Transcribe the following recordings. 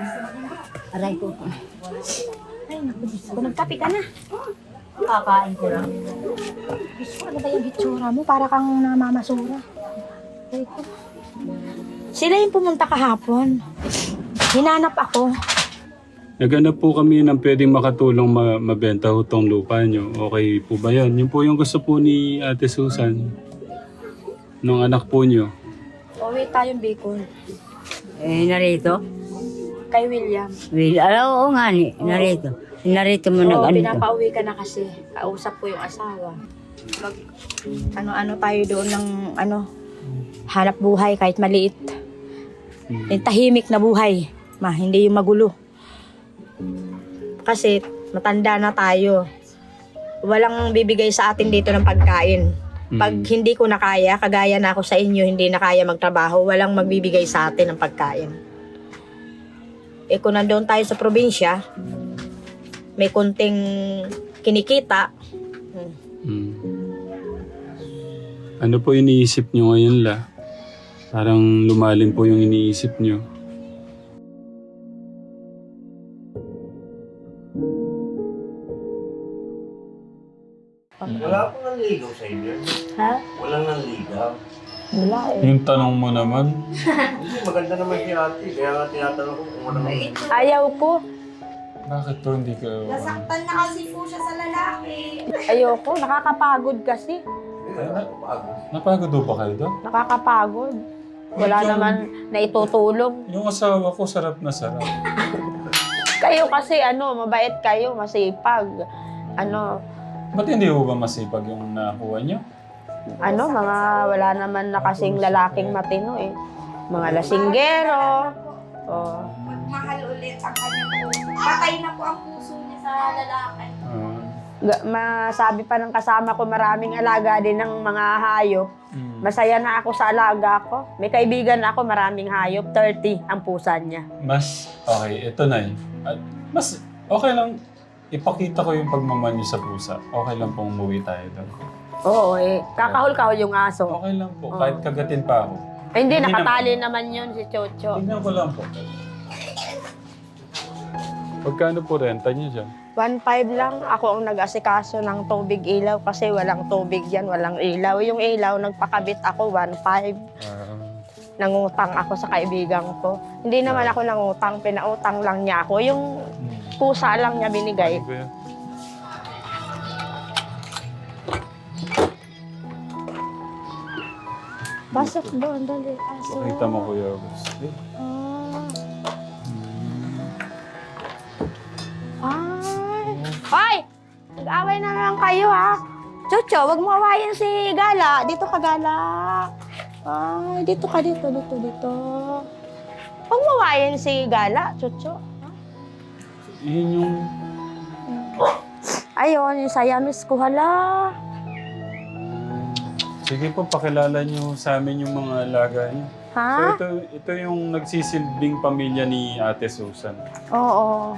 Aray ko. Ay, naku, Diyos ko. Nagkape ka na. Kakain ko lang. Diyos ko, ano ba yung hitsura mo? Para kang namamasura. Aray ko. Sila yung pumunta kahapon. Hinanap ako. Naghanap po kami ng pwedeng makatulong mabenta ho tong lupa nyo. Okay po ba yan? Yun po yung gusto po ni Ate Susan. Nung anak po nyo. Uwi tayong Bicol. Narito? Kay William. Oo nga ni, narito. Narito mo Oo, nag-ano to. pinapauwi ka na kasi. Kausap ko yung asawa. Mag, ano tayo doon ng hanap buhay kahit maliit. Yung tahimik na buhay. Hindi yung magulo. Kasi matanda na tayo. Walang bibigay sa atin dito ng pagkain. Pag hindi ko na kaya, kagaya na ako sa inyo, hindi na kaya magtrabaho, walang magbibigay sa atin ng pagkain. Kung nandoon tayo sa probinsya, may konting kinikita. Ano po iniisip nyo ngayon la? Parang lumalim po yung iniisip nyo. Wala pong nanligaw sa inyo. Ha? Walang nanligaw. Wala eh. Yung tanong mo naman, Hindi, maganda naman si ate. Kaya nga tinatanong ko kung walang nanligaw. Ayaw ko. bakit po hindi ka... Nasaktan na kasi po siya sa lalaki. Ayoko. Nakakapagod kasi. Napagod po ba kayo doon? Nakakapagod. Wala naman na itutulong. Yung asawa ko, sarap na sarap. Kayo kasi mabait kayo, masipag. Ba't hindi po ba masipag yung nakuha nyo? Wala naman na kasing lalaking matino eh. Mga lasinggero. Oh. Magmahal ulit ang kanyang puso. Patay na po ang puso niya sa lalaki. Masabi pa ng kasama ko, maraming alaga din ng mga hayop. Masaya na ako sa alaga ko. May kaibigan ako, maraming hayop. 30 ang pusa niya. Mas, okay, ito na yun. Mas, okay lang, ipakita ko yung pagmamahal niyo sa pusa. Okay lang pong umuwi tayo doon. Oo kakahol-kahol yung aso. Okay lang po, kahit kagatin pa ako. Hindi, Hindi nakatali naman yun si Chocho. Tignan ko lang po. Pagkano po renta niyo dyan? 1.5 lang. Ako ang nag-asikaso ng tubig ilaw kasi walang tubig yan, walang ilaw. Yung ilaw, nagpakabit ako 1.5. Nangutang ako sa kaibigan ko. Hindi naman ako nangutang, pinautang lang niya ako. Yung pusa lang niya binigay. Ano ba yan? Pasok doon, dali. Aso. Pakita mo, Kuya August. Hoy! Nag-away na lang kayo, ha? Chucho, wag mo awayin si Gala. Dito ka, Gala. Ay, dito ka, dito. Wag mo awayin si Gala, Chucho. Yun yung... Ayun, yung Siamese ko, hala. Sige po, pakilala niyo sa amin yung mga alaga niyo. Ha? So ito yung nagsisilbing pamilya ni Ate Susan. Oo.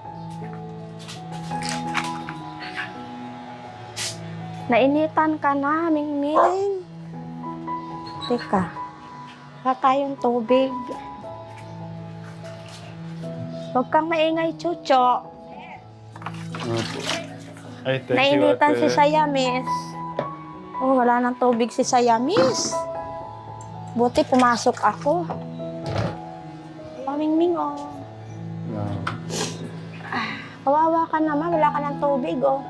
Nainitan ka na, Mingming. Teka. Wala tayong tubig. Huwag kang maingay, Chucho. Ay, thank you, Nainitan Ate. si Siamese. Oh, wala nang tubig si Siamese. Buti pumasok ako. Mingming, oh. Kawawa ka naman, wala ka ng tubig, oh.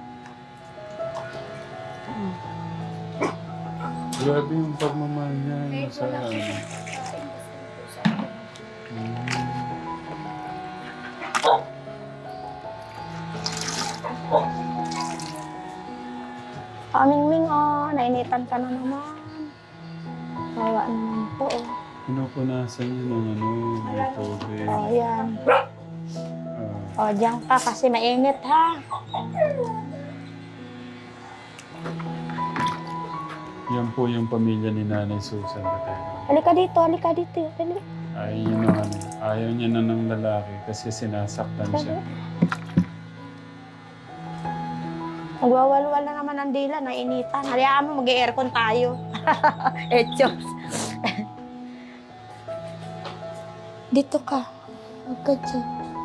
Grabe yung pagmamahal niya sa ano. Mingming, oh. Nainitan ka na naman. Kawawa naman po, oh. Pinupunasan niya ng may tubig. Oh, yan. Oh, diyan ka kasi mainit, ha? Yan po yung pamilya ni Nanay Susan. Halika dito, halika dito. Dali. Ayaw niya na ng lalaki kasi sinasaktan siya. Magwawalwal na naman ang dila, nainitan. Hayaan mo, mag-aircon tayo. Etchos. Dito ka. Agad siya.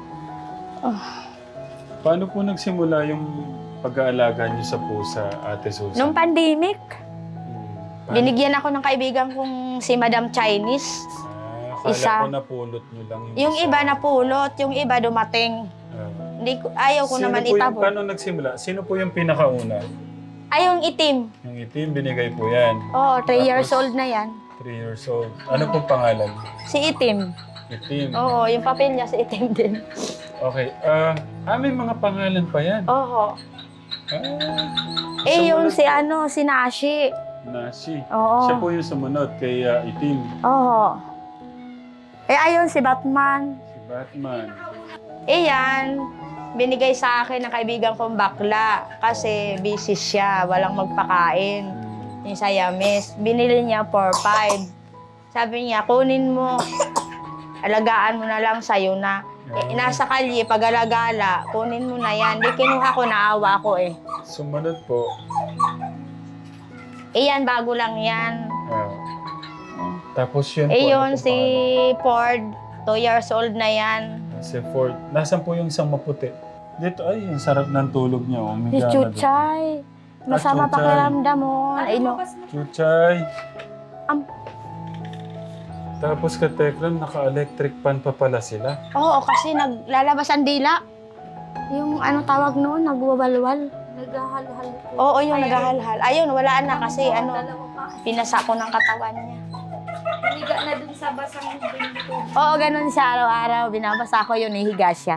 Paano po nagsimula yung pag-aalaga niyo sa pusa, Ate Susan? Nung pandemic, Paano? binigyan ako ng kaibigan kong si Madam Chinese. Akala isa. ko napulot niyo lang yung Yung isa. iba napulot, yung iba dumating. Ayaw ko naman itapon. Paano nagsimula? Sino po yung pinakauna? Ay, yung itim. Yung itim, binigay po yan. Oo, 3 years Tapos- old na yan. 3 years old. Ano pong pangalan? Si itim. Itim. Oo, yung papel niya si itim din. Okay. May mga pangalan pa yan. Oo. Sumunod- Si Nashi. Nasi. Oo. Siya po yung sumunod kay Itim. Oo. Ayun si Batman. Si Batman. Yan, binigay sa akin ng kaibigan kong bakla kasi busy siya, walang magpakain. Yung Siamese, binili niya 4-5. Sabi niya, kunin mo, alagaan mo na lang sa'yo na. Nasa kalye, pag-alagala, kunin mo na yan. Di kinuha ko, naawa ko eh. Sumunod po. Yan, bago lang yan. Tapos yun po. Yun, ano po si Ford, 2 years old na yan. pangalan? Si Ford. Nasaan po yung isang maputi? Dito, ay, yung sarap ng tulog niya. Si Umiga na doon. Chuchay. Masama Chuchay. pakiramdam mo. Ay, no. Chuchay. Am- Tapos ka Tekram, naka-electric pan pa pala sila. Oo, kasi naglalabas ang dila. Yung ano tawag noon, nagwawalwal. Naghahalhal po. Oo, yung naghahalhal. Ayun, wala na kasi Dalawa pa. pinasa ko ng katawan niya. Hiniga na dun sa basang binto. Oo, ganun siya araw-araw. Binabasa ko yun, hihiga siya.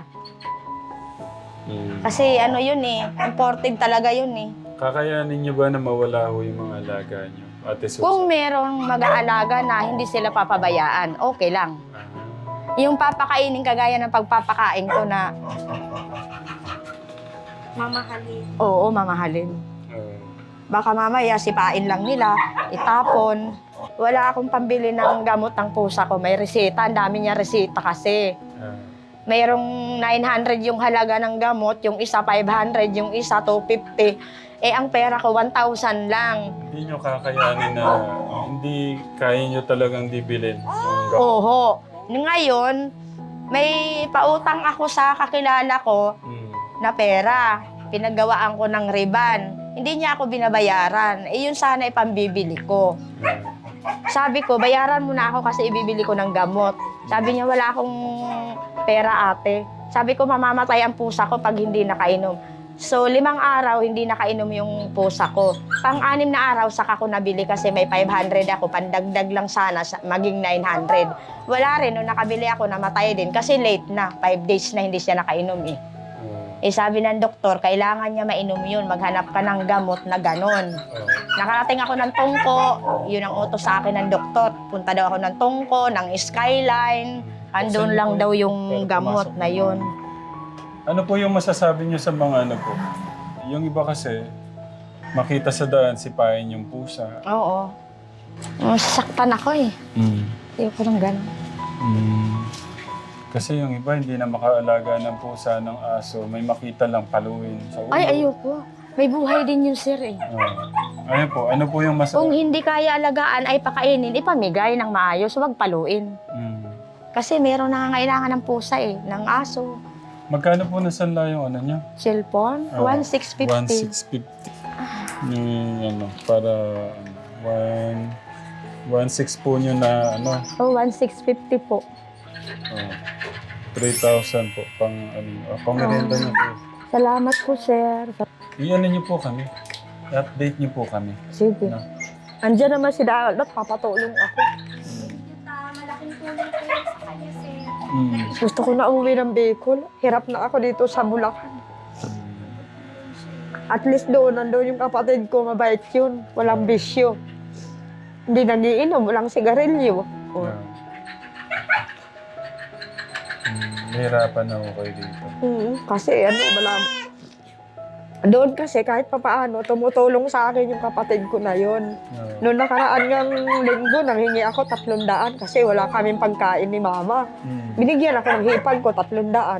Kasi yun imported talaga yun eh. Kakayanin niyo ba na mawala ho yung mga alaga niyo? Ate Susan? Kung merong mag-aalaga na hindi sila papabayaan, okay lang. Yung papakainin kagaya ng pagpapakain ko na, Mamahalin. oo, mamahalin. Baka mamaya sipain lang nila, itapon. Wala akong pambili ng gamot ng pusa ko. May reseta, ang dami niya reseta kasi. Mayroong 900 yung halaga ng gamot, yung isa 500, yung isa 250. Ang pera ko 1,000 lang. Hindi nyo kakayanin na, hindi kaya nyo talagang dibilin yung gamot. Oho. Ngayon, may pautang ako sa kakilala ko na pera. Pinaggawaan ko ng riban. Hindi niya ako binabayaran. Yun sana ipambibili ko. Sabi ko, bayaran mo na ako kasi ibibili ko ng gamot. Sabi niya, wala akong pera ate. Sabi ko, mamamatay ang pusa ko pag hindi nakainom. So, 5 araw, hindi nakainom yung pusa ko. Pang-6 na araw, saka ko nabili kasi may 500 ako. Pandagdag lang sana, maging 900. Wala rin, nung nakabili ako, namatay din. Kasi late na, 5 days na hindi siya nakainom eh. Sabi ng doktor, kailangan niya mainom yun. Maghanap ka ng gamot na ganon. Nakarating ako ng Tungko, yun ang utos sa akin ng doktor. Punta daw ako ng Tungko, ng Skyline. Andun lang daw yung gamot na yun. Ano po yung masasabi nyo sa mga ano po? Yung iba kasi, makita sa daan, sipain yung pusa. Oo. Saktan ako eh. Ayoko ng ganon. Kasi yung iba, hindi na makaalaga ng pusa, ng aso. May makita lang paluin sa ulo. Ay, ayoko. May buhay din yun, sir eh. Ayun po, ano po yung Kung hindi kaya alagaan, ay pakainin, ipamigay ng maayos, huwag paluin. Kasi meron nangangailangan ng pusa eh, ng aso. Magkano po nasanla yung ano niya? Cellphone, 1,650. 1,650. Yung para 1,600 po nyo na ano. 1,650 po. 3,000 po pang merienda niyo po. Salamat po, sir. I-ano niyo po kami. I-update niyo po kami. Sige. No? Andiyan naman si Dalot, papatulong ako. Malaking tulong po yun sa kanya, sir. Gusto ko na umuwi ng Bicol. Hirap na ako dito sa Bulacan. At least nandun yung kapatid ko, mabait yun. Walang bisyo. Hindi nagiinom, walang sigarilyo. Nahirapan na ako kayo dito. Kasi doon kasi kahit papaano, tumutulong sa akin yung kapatid ko na yun. Noong nakaraan ng linggo, nanghingi ako 300 kasi wala kaming pagkain ni mama. Binigyan ako ng hipag ko, 300.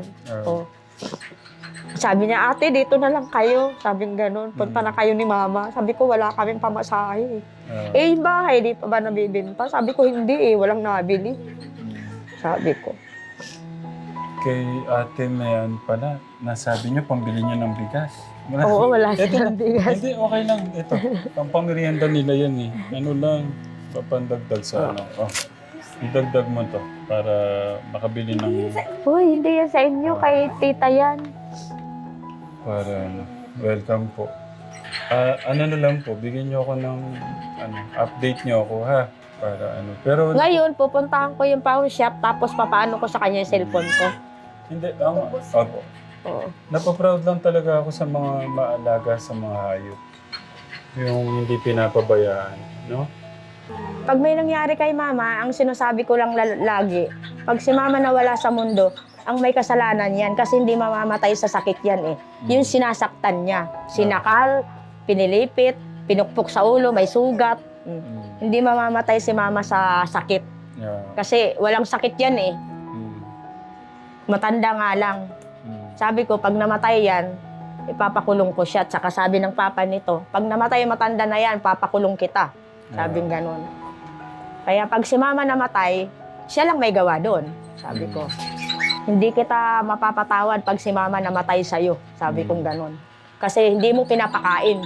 Sabi niya, ate, dito na lang kayo. Sabi nga ganun, punta na kayo ni mama. Sabi ko, wala kaming pamasahe. Yung bahay, di pa ba nabibinta? Sabi ko, hindi walang nabili. Sabi ko. kay Ate Mayan pala, nasabi niyo pambili niyo ng bigas. Oo, wala Ito silang bigas. Hindi, okay lang. Ito, pampamerienda nila yan eh. Ano lang, papandagdag sa ano. Oh, idagdag mo to para makabili ng... Uy, hindi yan sa inyo. Kay tita yan. Para ano, welcome po. Ano na lang po, bigyan niyo ako ng ano, update niyo ako ha. Para ano. Pero Ngayon, pupuntahan ko yung pawn shop, tapos papaano ko sa kanya yung cellphone ko. hindi, opo. Oo. Napaproud lang talaga ako sa mga maalaga sa mga hayop. Yung hindi pinapabayaan, no? Pag may nangyari kay mama, ang sinasabi ko lang lagi, pag si mama nawala sa mundo, ang may kasalanan yan kasi hindi mamamatay sa sakit yan eh. Yung sinasaktan niya, sinakal, pinilipit, pinukpok sa ulo, may sugat. Hindi mamamatay si mama sa sakit. Yeah. Kasi walang sakit yan eh. Matanda nga lang. Sabi ko, pag namatay yan, ipapakulong ko siya. At saka sabi ng papa nito, pag namatay matanda na yan, papakulong kita. Sabing ganun. Kaya pag si mama namatay, siya lang may gawa doon. Sabi ko, hindi kita mapapatawad pag si mama namatay sa'yo. Sabi kong ganun. Kasi hindi mo pinapakain.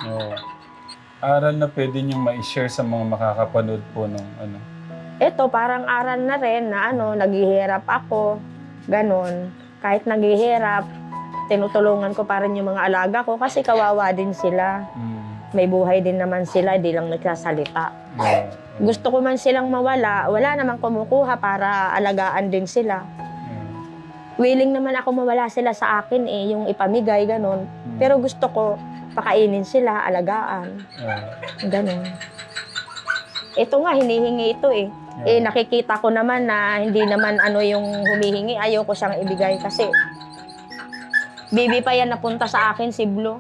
Aral na pwede niyong ma-share sa mga makakapanood po ng ano. Ito, parang aral na rin na naghihirap ako. Ganun. Kahit naghihirap, tinutulungan ko pa rin yung mga alaga ko kasi kawawa din sila. May buhay din naman sila, di lang nagsasalita. Gusto ko man silang mawala, wala namang kumukuha para alagaan din sila. Willing naman ako mawala sila sa akin yung ipamigay, ganun. Pero gusto ko pakainin sila, alagaan. Ganun. Ito nga, hinihingi ito eh. Nakikita ko naman na hindi naman yung humihingi, ayaw ko siyang ibigay kasi baby pa yan napunta sa akin, si Blue.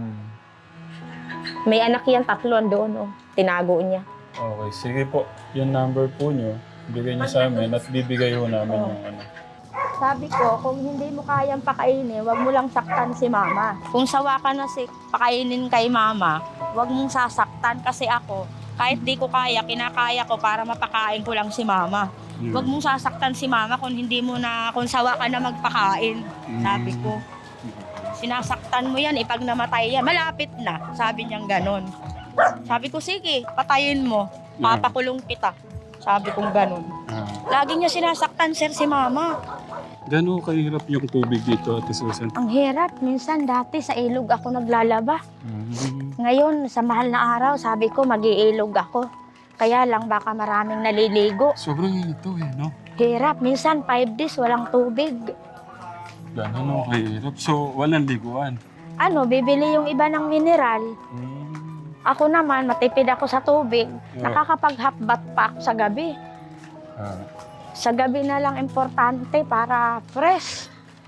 May anak yan, 3 doon, tinago niya. Okay, sige po. Yung number po niyo, bigay niyo sa amin at bibigay ho namin yung ano. Sabi ko, kung hindi mo kayang pakainin, wag mo lang saktan si mama. Kung sawa ka na pakainin kay mama, wag mong sasaktan kasi ako, kahit di ko kaya, kinakaya ko para mapakain ko lang si mama. Wag mong sasaktan si mama kung sawa ka na magpakain. Sabi ko, sinasaktan mo yan, pag namatay yan, malapit na. Sabi niyang ganon. Sabi ko, sige, patayin mo, papakulong kita. Sabi kong ganon. Lagi niya sinasaktan, sir, si mama. Gano'n kahirap yung tubig dito, Ate Susan? Ang hirap. Minsan dati sa ilog ako naglalaba. Ngayon, sa mahal na araw, sabi ko mag-iilog ako. Kaya lang baka maraming naliligo. Sobrang init to no? Hirap. Minsan 5 days walang tubig. Gano'n kahirap. So, walang liguan? Bibili yung iba ng mineral. Ako naman, matipid ako sa tubig. Nakakapag-half bath pa ako sa gabi. Sa gabi na lang importante para fresh.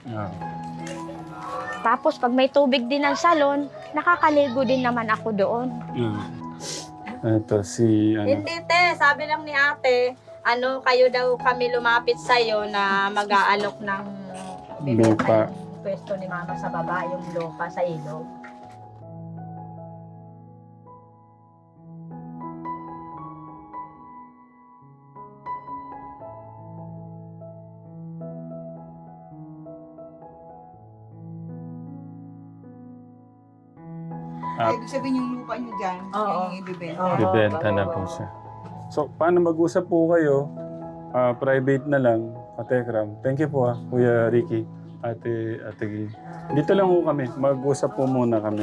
Tapos pag may tubig din ng salon, nakakaligo din naman ako doon. Ito si Hindi te, sabi lang ni ate, kayo daw kami lumapit sa'yo na mag-aalok ng lupa. Pwesto ni mama sa baba, yung lupa sa ilog. Ibig sabihin yung lupa nyo dyan, yung ibibenta. Bibenta na po siya. So, paano mag-usap po kayo? Private na lang, Katekram. Thank you po Kuya Ricky, Ate Gui. Dito lang po kami. Mag-usap po muna kami.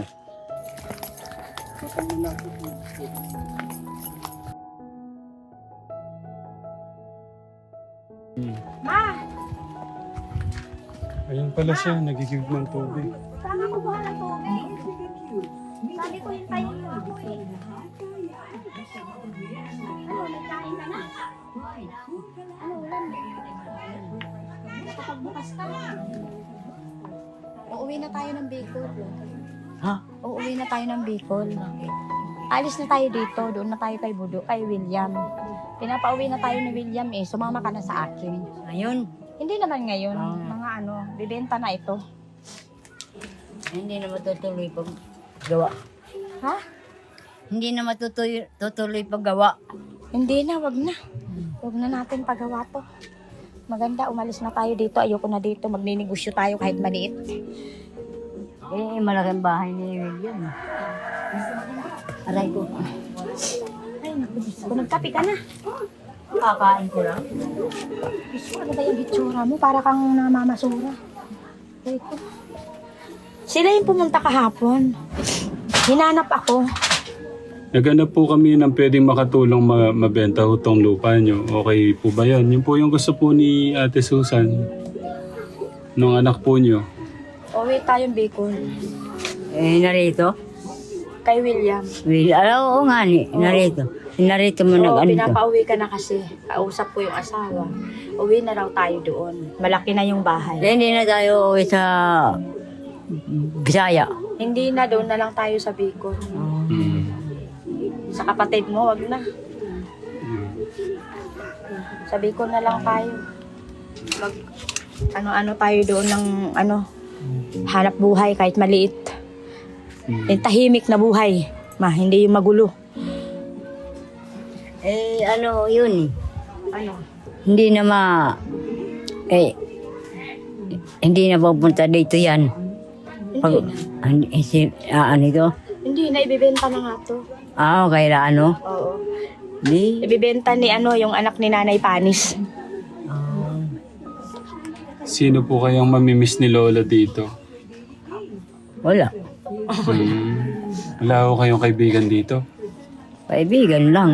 Ma! Ayun pala siya, nagigib ng tubig. Saan ako buha ng tubig? Sabi ko hintayin mo ako eh. Nagkain ka na? Ulan? Nakapagbukas ka na. Uuwi na tayo ng Bicol. Ha? Uuwi na tayo ng Bicol. Alis na tayo dito. Doon na tayo kay William. Pinapauwi na tayo ni William Sumama ka na sa akin. Ngayon, Hindi naman ngayon. Mga bibenta na ito. hindi na matutuloy pag gawa. Ha? Hindi na matutuloy pag gawa. Hindi na, wag na. Wag na natin pagawa to. Maganda, umalis na tayo dito. Ayoko na dito. Magninegosyo tayo kahit maliit. Eh, malaking bahay ni William. Aray ko. Ay, naku, Diyos ko. Nagkape ka na. Kakain ko lang. Diyos ko, ano ba yung hitsura mo? Para kang namamasura. Ay ko. Sila yung pumunta kahapon. Hinanap ako. Naghanap po kami ng pwedeng makatulong mabenta ho tong lupa nyo. Okay po ba yan? Yun po yung gusto po ni Ate Susan. Nung anak po nyo. Uwi tayong Bicol. Eh, narito? Kay William. Oo nga ni, narito. Narito mo Oo, nag-ano to. pinapauwi ka na kasi. Kausap ko yung asawa. Uwi na raw tayo doon. Malaki na yung bahay. Eh, hindi na tayo uwi sa Bisaya. Hindi na, doon na lang tayo sa Bicol. Mm. Sa kapatid mo, wag na. Sa Bicol na lang tayo. Mag, ano-ano tayo doon ng hanap buhay kahit maliit. Yung tahimik na buhay. Hindi yung magulo. Eh, ano yun eh. Ano? Hindi na hindi na pupunta dito yan. Ano ito? Hindi na, ibibenta na nga to. Kaya ano? Oo. Di. Ibibenta ni yung anak ni Nanay Panis. Sino po kayang mamimiss ni Lola dito? Wala. Wala ho kayong kaibigan dito? Kaibigan lang.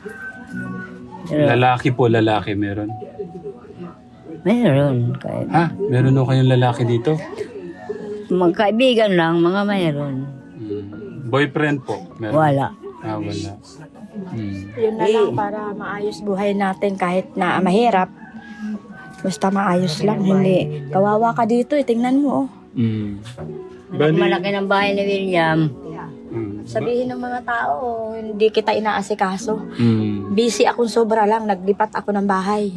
Lalaki po, lalaki meron. Mayroon. Kahit Meron ho kayong lalaki dito? magkaibigan lang, mga mayroon. Boyfriend po? Meron? Wala. Wala. Yun na lang para maayos buhay natin kahit na mahirap. Basta maayos lang. Hindi. Kawawa ka dito tingnan mo. Malaki ng bahay ni William. Sabihin ng mga tao, hindi kita inaasikaso. Mm. Busy akong sobra lang. Naglipat ako ng bahay.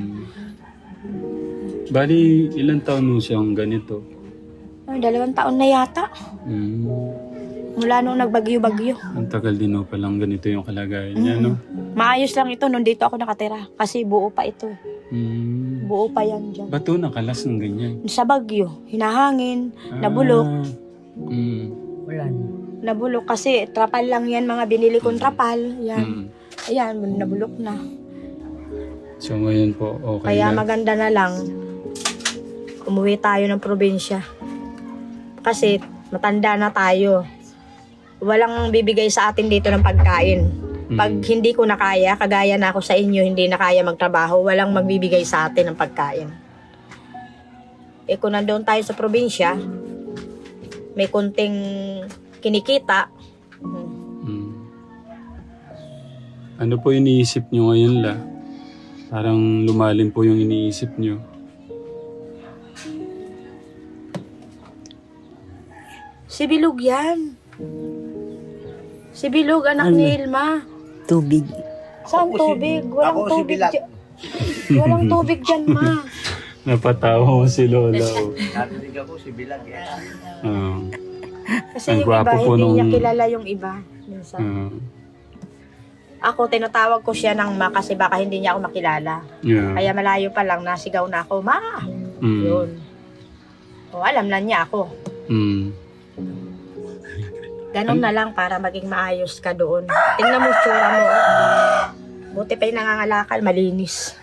Bali, ilang taon mo siyang ganito? 2 taon na yata. Mula nung nagbagyo-bagyo. Ang tagal din ho palang ganito yung kalagayan niya, no? Maayos lang ito nung dito ako nakatira. Kasi buo pa ito. Buo pa yan dyan. Ba't ho nakalas ng ganyan? Sa bagyo, hinahangin, nabulok. Wala. Nabulok kasi trapal lang yan, mga binili kong trapal. Yan. Ayan, nabulok na. So ngayon po, okay Kaya na. maganda na lang, umuwi tayo ng probinsya. Kasi matanda na tayo. Walang bibigay sa atin dito ng pagkain. Pag hindi ko na kaya, kagaya na ako sa inyo, hindi na kaya magtrabaho, walang magbibigay sa atin ng pagkain. Kung nandoon tayo sa probinsya, may kunting kinikita. Ano po iniisip nyo ngayon, La? Parang lumalim po yung iniisip nyo. Si Bilog yan. Si Bilog, anak ni Ilma. Tubig. Saan tubig? Walang ako si tubig Bilag. dyan. Walang tubig dyan, ma. Napatawa mo si Lola. Narinig ako si Bilag. Kasi Ang yung gwapo iba, po hindi niya nung- kilala yung iba. Minsan. Ako, tinatawag ko siya ng ma kasi baka hindi niya ako makilala. Yeah. Kaya malayo pa lang, nasigaw na ako, ma! Yun. O, alam na niya ako. Ganon na lang para maging maayos ka doon. Tingnan mo tsura mo. Buti pa yung nangangalakal, malinis.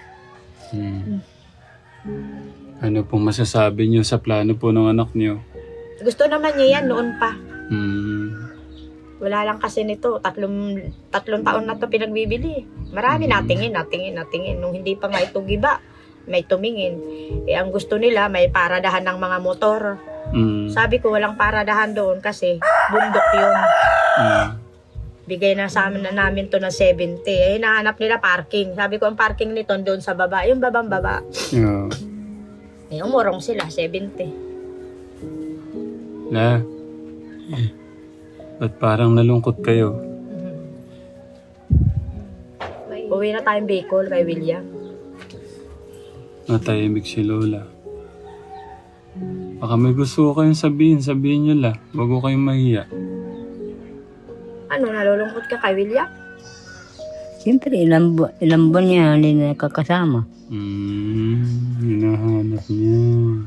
Ano pong masasabi niyo sa plano po ng anak niyo? Gusto naman niya yan noon pa. Wala lang kasi nito, tatlong taon na to pinagbibili. Marami natingin. Nung hindi pa nga ito giba, may tumingin. Ang gusto nila, may paradahan ng mga motor. Sabi ko, walang paradahan doon kasi bundok yun. Bigay na sa amin na namin to ng 70. Hinahanap nila parking. Sabi ko, ang parking nito doon sa baba. Yung babang baba. Yeah. Umurong sila, 70. La, ba't parang nalungkot kayo? Uwi na tayong Bicol kay William. Natahimik si Lola. Baka may gusto ko kayong sabihin niyo, La. Wag ko kayong mahiya. Ano, nalulungkot ka kay William? Siyempre, ilang buwan niya hindi na nakakasama. anak niya.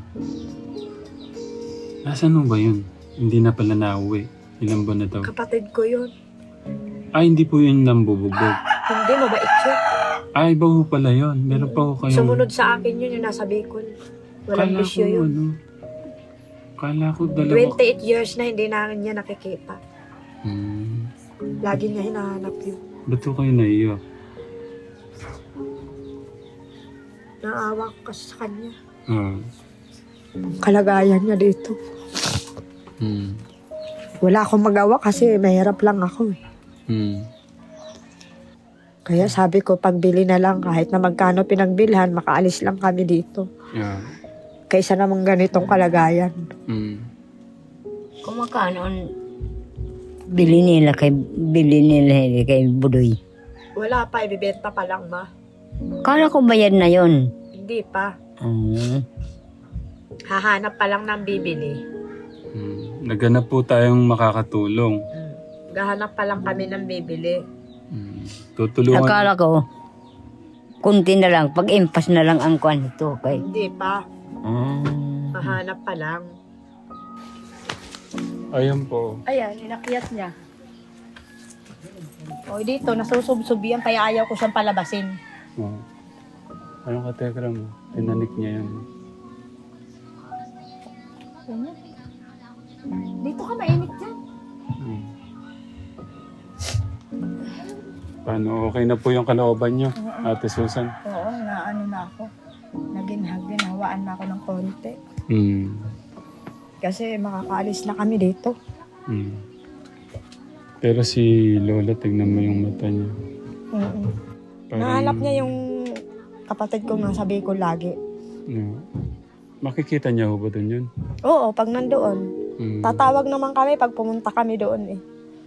Nasaan mo ba yun? Hindi na pala nauwi. Ilang buwan na daw? Kapatid ko yun. Hindi po yun nambubugbog. Hindi, mabait yun. Iba ho pala yun. Meron pa ho kayong... Sumunod sa akin yun, yung nasa Bicol. Walang bisyo yun. Kala ko dalawa... 28 years na hindi na niya nakikita. Hmm. Lagi niya hinahanap yun. Ba't ho kayo naiyak? Naawa ko kasi sa kanya. Kalagayan niya dito. Hmm. Wala akong magawa kasi mahirap lang ako. Hmm. Kaya sabi ko, pagbili na lang kahit na magkano pinagbilhan, makaalis lang kami dito. Yeah. Kaysa namang ganitong kalagayan. Hmm. Kung magkano ang bili nila kay Budoy. Wala pa, ibibenta pa lang ma. Kala ko bayad na yon. Hindi pa. Hahanap pa lang ng bibili. Naghanap po tayong makakatulong. Gahanap pa lang kami ng bibili. Tutulungan. Akala ko, kunti na lang, pag-impas na lang ang kwan ito. Kay. Hindi pa. Hahanap pa lang. Ayan po. Ayan, inakyat niya. O dito, nasusubsub yan, kaya ayaw ko siyang palabasin. Oh. Ayun ka, Tekram. Tinanik niya yan. Dito ka, mainit dyan. Paano? Okay na po yung kalooban niyo, Ate Susan? Oo, naano na ako. Ginhawaan na ako ng konti. Kasi makakaalis na kami dito. Pero si Lola, tignan mo yung mata niya. Nahanap niya yung kapatid ko nga sabi ko lagi. No. Makikita niya ho ba doon yun? Oo, pag nandoon. Tatawag naman kami pag pumunta kami doon eh.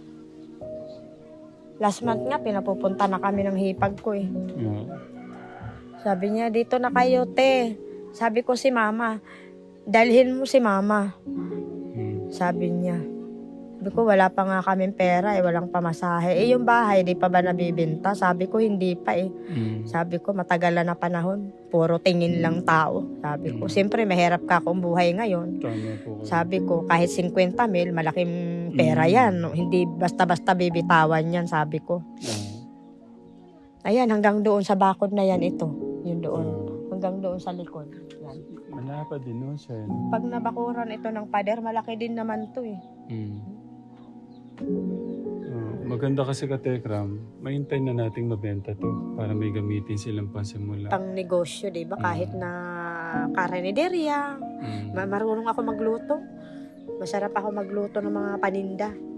Last month nga, pinapupunta na kami ng hipag ko eh. Yeah. Sabi niya, dito na kayo, te. Sabi ko si mama, dalhin mo si mama. Sabi niya. Sabi ko, wala pa nga kaming pera eh, walang pamasahe. Eh, yung bahay, di pa ba nabibinta? Sabi ko, hindi pa eh. Sabi ko, matagal na panahon. Puro tingin lang tao. Sabi ko, siyempre, mahirap ka kung buhay ngayon. Tama po kayo. Sabi ko, kahit 50 mil, malaking pera yan. Hindi basta-basta bibitawan yan, sabi ko. Ayan, hanggang doon sa bakod na yan ito. Yun doon. Hanggang doon sa likod. Yan. Malapad din no siya. Pag nabakuran ito ng pader, malaki din naman to eh. Maganda kasi ka, Tekram, mahintay na nating mabenta to para may gamitin silang pansimula. Pang negosyo, di ba? Kahit na kareniderya. Marunong ako magluto. Masarap ako magluto ng mga paninda.